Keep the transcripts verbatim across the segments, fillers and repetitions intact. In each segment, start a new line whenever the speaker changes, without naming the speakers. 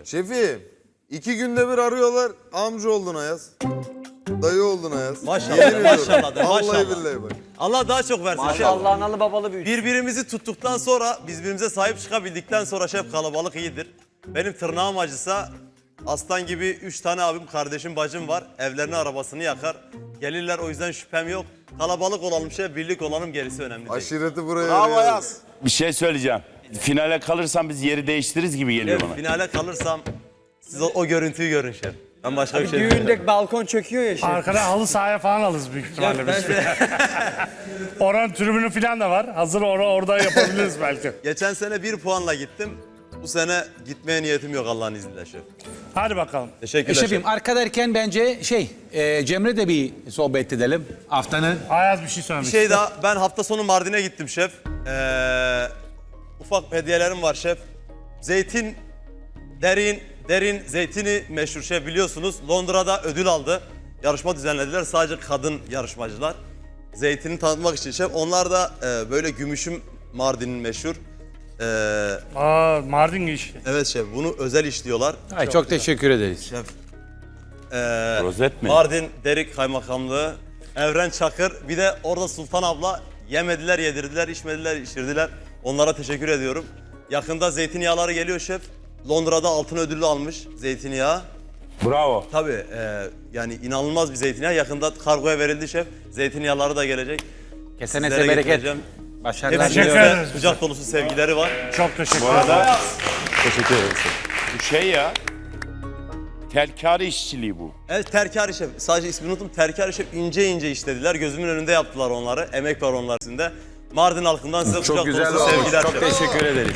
Şefim, iki günde bir arıyorlar. Amca oldun Ayaz. Dayı oldun Ayaz.
Maşallah,
Yemin ediyorum.
maşallah de,
Vallahi
maşallah.
billahi bak.
Allah daha çok versin. şef.
Maşallah analı babalı büyüdü.
Birbirimizi tuttuktan sonra, biz birbirimize sahip çıkabildikten sonra şef kalabalık iyidir. Benim tırnağım acısa aslan gibi üç tane abim, kardeşim, bacım var. Evlerini, arabasını yakar. Gelirler, o yüzden şüphem yok. Kalabalık olalım şef, birlik olalım, gerisi önemli değil.
Aşireti buraya
Bravo
arıyoruz.
Ayaz.
Bir şey söyleyeceğim. Finale kalırsam biz yeri değiştiririz gibi geliyor
Şef,
bana.
finale kalırsam siz o, o görüntüyü görün şef. Ben başka bir şey bilmiyorum.
Düğünde balkon çöküyor ya şimdi.
Arkada halı sahaya falan alırız büyük ihtimalle biz. Oranın tribünü falan da var. Hazır or orada yapabiliriz belki.
Geçen sene bir puanla gittim. Bu sene gitmeye niyetim yok Allah'ın izniyle şef.
Hadi bakalım.
Teşekkürler
Şefim
şef.
arka derken bence şey e, Cemre de bir sohbet edelim haftanın.
Ayaz bir şey söylemiş.
Bir şey daha, ben hafta sonu Mardin'e gittim şef. Ee, ufak hediyelerim var şef. Zeytin, derin, derin zeytini meşhur şef biliyorsunuz. Londra'da ödül aldı. Yarışma düzenlediler, sadece kadın yarışmacılar. Zeytini tanıtmak için şef. Onlar da e, böyle gümüşüm Mardin'in meşhur. Ee,
Aa, Mardin iş.
evet şef, bunu özel işliyorlar.
Ay, çok teşekkür ederiz.
Şef. Ee,
Rozet mi?
Mardin Derik Kaymakamlığı, Evren Çakır, bir de orada Sultan abla yemediler, yedirdiler, içmediler, içirdiler. Onlara teşekkür ediyorum. Yakında zeytinyağları geliyor şef. Londra'da altın ödüllü almış zeytinyağı.
Bravo.
Tabii e, yani inanılmaz bir zeytinyağı. Yakında kargoya verildi şef. Zeytinyağları da gelecek.
Kesene
Sizlere
bereket.
getireceğim.
Başarılar
Hepsine
Teşekkür
diliyorum.
ederiz.
kucak dolusu sevgileri var.
Çok teşekkür
Bu
ederim.
arada
Teşekkür ederim.
bu şey ya. Telkari işçiliği bu.
Evet, terkari şef. Sadece ismini unuttum. Terkari şef ince ince işlediler. Gözümün önünde yaptılar onları. Emek var onlar içinde. Mardin halkından size kucak dolusu sevgiler
Çok
şef.
teşekkür ederiz.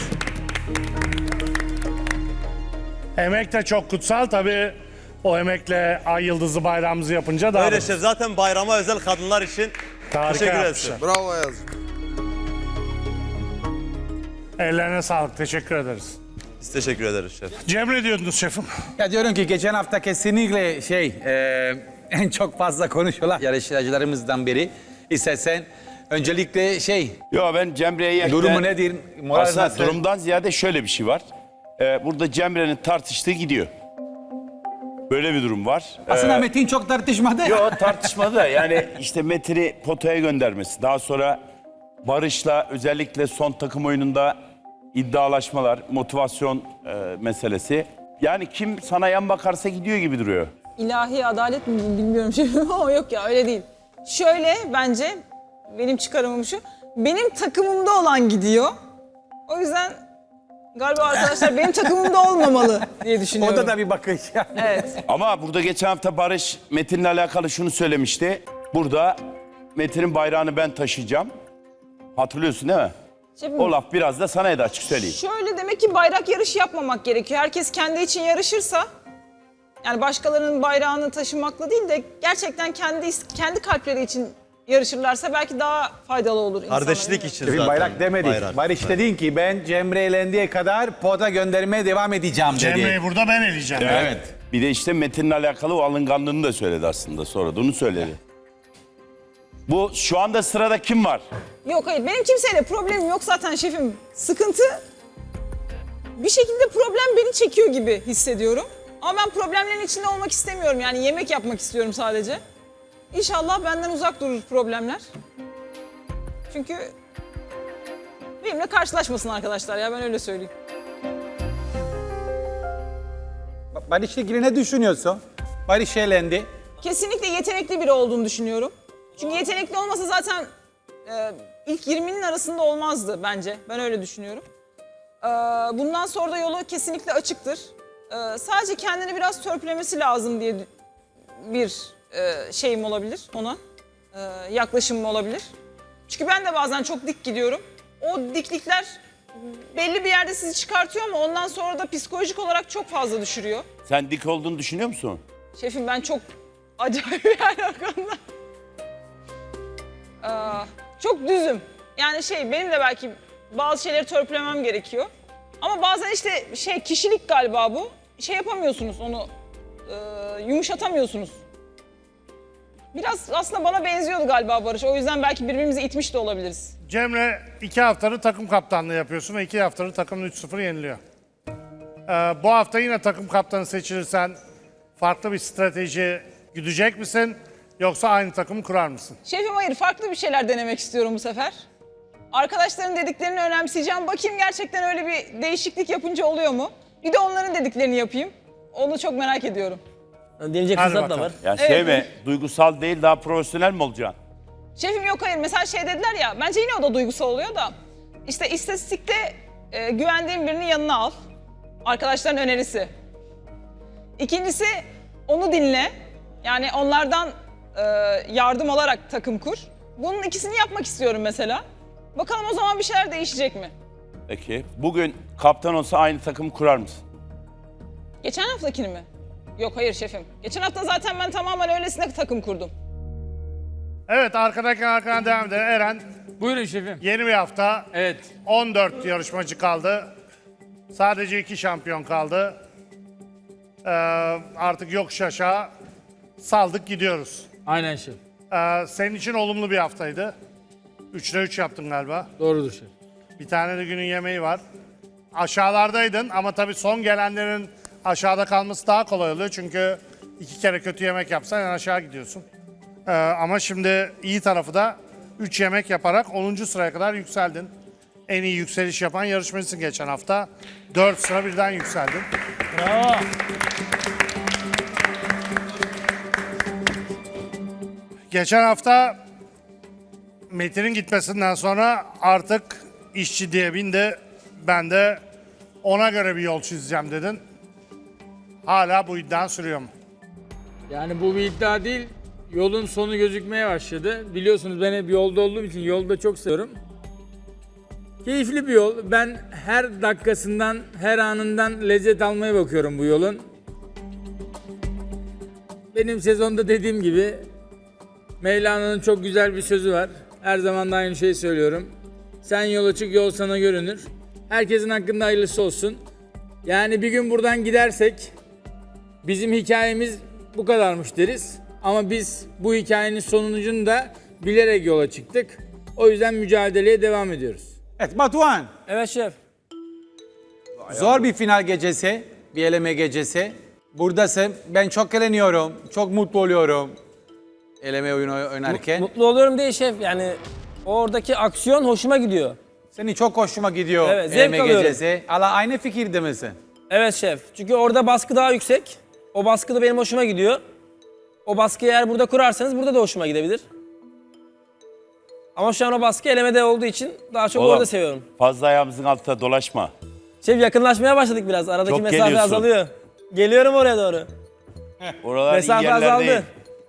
Emek de çok kutsal tabii. O emekle ay yıldızı bayrağımızı yapınca daha
Öyle
da
şef. Zaten bayrama özel kadınlar için
harika
teşekkür ederiz.
yapmışlar.
Bravo Ayaz.
Ellerine sağlık. Teşekkür ederiz.
Biz teşekkür ederiz şef.
Cemre diyordunuz şefim.
Ya diyorum ki geçen hafta kesinlikle şey e, en çok fazla konuşulan yarışmacılarımızdan biri. İstersen öncelikle şey
Yo ben Cemre'ye...
durumu nedir? Moral
Aslında
nasıl?
durumdan ziyade şöyle bir şey var. Ee, burada Cemre'nin tartıştığı gidiyor. Böyle bir durum var.
Aslında Metin çok tartışmadı.
Yok tartışmadı da yani işte Metin'i potaya göndermesi. Daha sonra Barış'la özellikle son takım oyununda iddialaşmalar, motivasyon e, meselesi. Yani kim sana yan bakarsa gidiyor gibi duruyor.
İlahi adalet mi bilmiyorum şefim ama yok ya öyle değil. Şöyle bence benim çıkarımım şu. Benim takımımda olan gidiyor. O yüzden galiba arkadaşlar benim takımımda olmamalı diye düşünüyorum.
O da da bir bakış.
Evet.
Ama burada geçen hafta Barış Metin'le alakalı şunu söylemişti. Burada Metin'in bayrağını ben taşıyacağım. Hatırlıyorsun değil mi?
Şefim,
O laf biraz da sana da açık söyleyeyim.
şöyle demek ki bayrak yarışı yapmamak gerekiyor. Herkes kendi için yarışırsa, yani başkalarının bayrağını taşımakla değil de gerçekten kendi kendi kalpleri için yarışırlarsa belki daha faydalı olur insanlara.
Kardeşlik için
Bir
zaten.
bayrak demedik.
bayrak.
Barış dedin ki ben Cemre eğlendiği kadar pota göndermeye devam edeceğim dedi.
Cemre'yi burada ben eleyeceğim.
Evet.
Bir de işte Metin'le alakalı o alınganlığını da söyledi aslında. Sonra da onu söyledi. Bu şu anda sırada kim var?
Yok hayır benim kimseyle problemim yok zaten şefim. Sıkıntı bir şekilde problem beni çekiyor gibi hissediyorum. Ama ben problemlerin içinde olmak istemiyorum. Yani yemek yapmak istiyorum sadece. İnşallah benden uzak durur problemler. Çünkü benimle karşılaşmasın arkadaşlar ya ben öyle söyleyeyim.
Barış'la ilgili ne düşünüyorsun? Barış eğlendi.
Kesinlikle yetenekli biri olduğunu düşünüyorum. Çünkü yetenekli olmasa zaten e, ilk yirminin arasında olmazdı bence. Ben öyle düşünüyorum. E, bundan sonra da yolu kesinlikle açıktır. E, sadece kendini biraz törpülemesi lazım diye bir e, şeyim olabilir ona. E, yaklaşımım olabilir. Çünkü ben de bazen çok dik gidiyorum. O diklikler belli bir yerde sizi çıkartıyor ama ondan sonra da psikolojik olarak çok fazla düşürüyor.
Sen dik olduğunu düşünüyor musun?
Şefim ben çok acayip yani o konuda. Aa, çok düzüm. Yani şey benim de belki bazı şeyleri törpülemem gerekiyor. Ama bazen işte şey kişilik galiba bu. Şey yapamıyorsunuz onu e, yumuşatamıyorsunuz. Biraz aslında bana benziyordu galiba Barış. O yüzden belki birbirimizi itmiş de olabiliriz.
Cemre iki haftadır takım kaptanlığı yapıyorsun ve iki haftadır takımın üç sıfır yeniliyor. bu hafta yine takım kaptanı seçilirsen farklı bir strateji güdecek misin? Yoksa aynı takımı kurar mısın?
Şefim hayır, farklı bir şeyler denemek istiyorum bu sefer. Arkadaşların dediklerini önemseyeceğim. Bakayım gerçekten öyle bir değişiklik yapınca oluyor mu? Bir de onların dediklerini yapayım. Onu çok merak ediyorum.
Deneyecek
Hadi
fırsat da
bakalım.
var.
Ya
Evet.
şey mi? Duygusal değil daha profesyonel mi olacaksın?
Şefim yok hayır. Mesela şey dediler ya, bence yine o da duygusal oluyor da. İşte istatistikte e, güvendiğin birinin yanına al. Arkadaşların önerisi. İkincisi onu dinle. Yani onlardan e, yardım alarak takım kur. Bunun ikisini yapmak istiyorum mesela. Bakalım o zaman bir şeyler değişecek mi?
Peki. Bugün kaptan olsa aynı takımı kurar mısın?
Geçen haftakini mi? Yok hayır şefim. Geçen hafta zaten ben tamamen öylesine takım kurdum.
Evet, arkadaki arkadan devam edelim. Eren,
Buyurun şefim.
yeni bir hafta.
Evet.
on dört yarışmacı kaldı. Sadece iki şampiyon kaldı. Ee, artık yokuş aşağı saldık gidiyoruz.
Aynen şef.
Ee, senin için olumlu bir haftaydı. Üçte üç yaptın galiba.
Doğrudur şef.
Bir tane de günün yemeği var. Aşağılardaydın ama tabii son gelenlerin aşağıda kalması daha kolay oluyor. Çünkü iki kere kötü yemek yapsan en aşağı gidiyorsun. Ee, ama şimdi iyi tarafı da üç yemek yaparak onuncu sıraya kadar yükseldin. En iyi yükseliş yapan yarışmacısın geçen hafta. dört sıra birden yükseldin.
Bravo.
Geçen hafta Metin'in gitmesinden sonra artık iş ciddiye bindi. Ben de ona göre bir yol çizeceğim dedin. Hala bu iddian sürüyor mu?
Yani bu bir iddia değil. Yolun sonu gözükmeye başladı. Biliyorsunuz ben hep yolda olduğum için yolda çok seviyorum. Keyifli bir yol. Ben her dakikasından, her anından lezzet almaya bakıyorum bu yolun. Benim sezonda dediğim gibi Mevlana'nın çok güzel bir sözü var. Her zaman da aynı şeyi söylüyorum. Sen yola çık, yol sana görünür. Herkesin hakkında hayırlısı olsun. Yani bir gün buradan gidersek bizim hikayemiz bu kadarmış deriz. Ama biz bu hikayenin sonucunu da bilerek yola çıktık. O yüzden mücadeleye devam ediyoruz.
Evet Batuhan,
Evet şef.
zor bir final gecesi, bir eleme gecesi. Buradasın, ben çok eğleniyorum, çok mutlu oluyorum eleme oyunu oynarken.
Mutlu oluyorum değil şef. Yani oradaki aksiyon hoşuma gidiyor.
Seni çok hoşuma gidiyor
Evet, zevk
eleme
alıyorum.
gecesi. Hala aynı fikirde misin?
Evet şef. Çünkü orada baskı daha yüksek. O baskı da benim hoşuma gidiyor. O baskıyı eğer burada kurarsanız burada da hoşuma gidebilir. Ama şu an o baskı elemede olduğu için daha çok
Oğlum,
orada seviyorum.
Fazla ayağımızın altında dolaşma.
Şef yakınlaşmaya başladık biraz. Aradaki
Çok
mesafe
geliyorsun.
azalıyor. Geliyorum oraya doğru.
Oralar iyi
Mesafe
yerler
azaldı.
değil.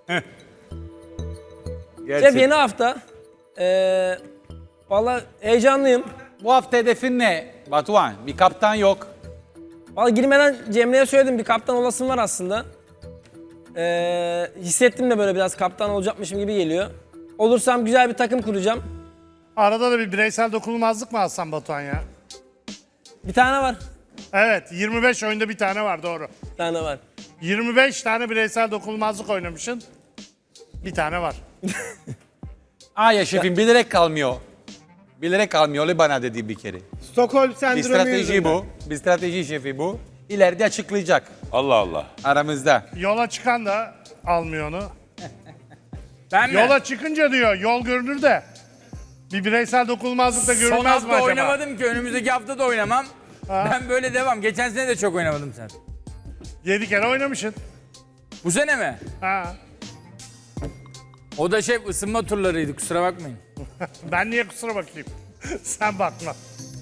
Şef yeni hafta. Ee, Valla heyecanlıyım.
Bu hafta hedefin ne Batuhan? Bir kaptan yok.
Valla girmeden Cemre'ye söyledim, bir kaptan olasım var aslında. Ee, hissettim de böyle biraz kaptan olacakmışım gibi geliyor. Olursam güzel bir takım kuracağım.
Arada da bir bireysel dokunulmazlık mı alsan Batuhan ya?
Bir tane var.
Evet, yirmi beş oyunda bir tane var, doğru.
Bir tane var.
yirmi beş tane bireysel dokunulmazlık oynamışsın. Bir tane var.
Aa ya şefim bilerek kalmıyor. Bilerek kalmıyor öyle bana dedi bir kere.
Stockholm
Bir
sendromu
strateji
yüzünden.
bu. Bir strateji şefi bu. İleride açıklayacak
Allah Allah.
aramızda.
Yola çıkan da almıyor onu.
Ben mi?
Yola çıkınca diyor, yol görünür de. Bir bireysel dokunulmazlık da
Son
görünmez mi
hafta
acaba?
oynamadım ki önümüzdeki hafta da oynamam. Ben böyle devam. Geçen sene de çok oynamadım sen.
Yedi kere oynamışsın.
Bu sene mi?
Ha.
O da şef ısınma turlarıydı, kusura bakmayın.
Ben niye kusura bakayım? Sen bakma.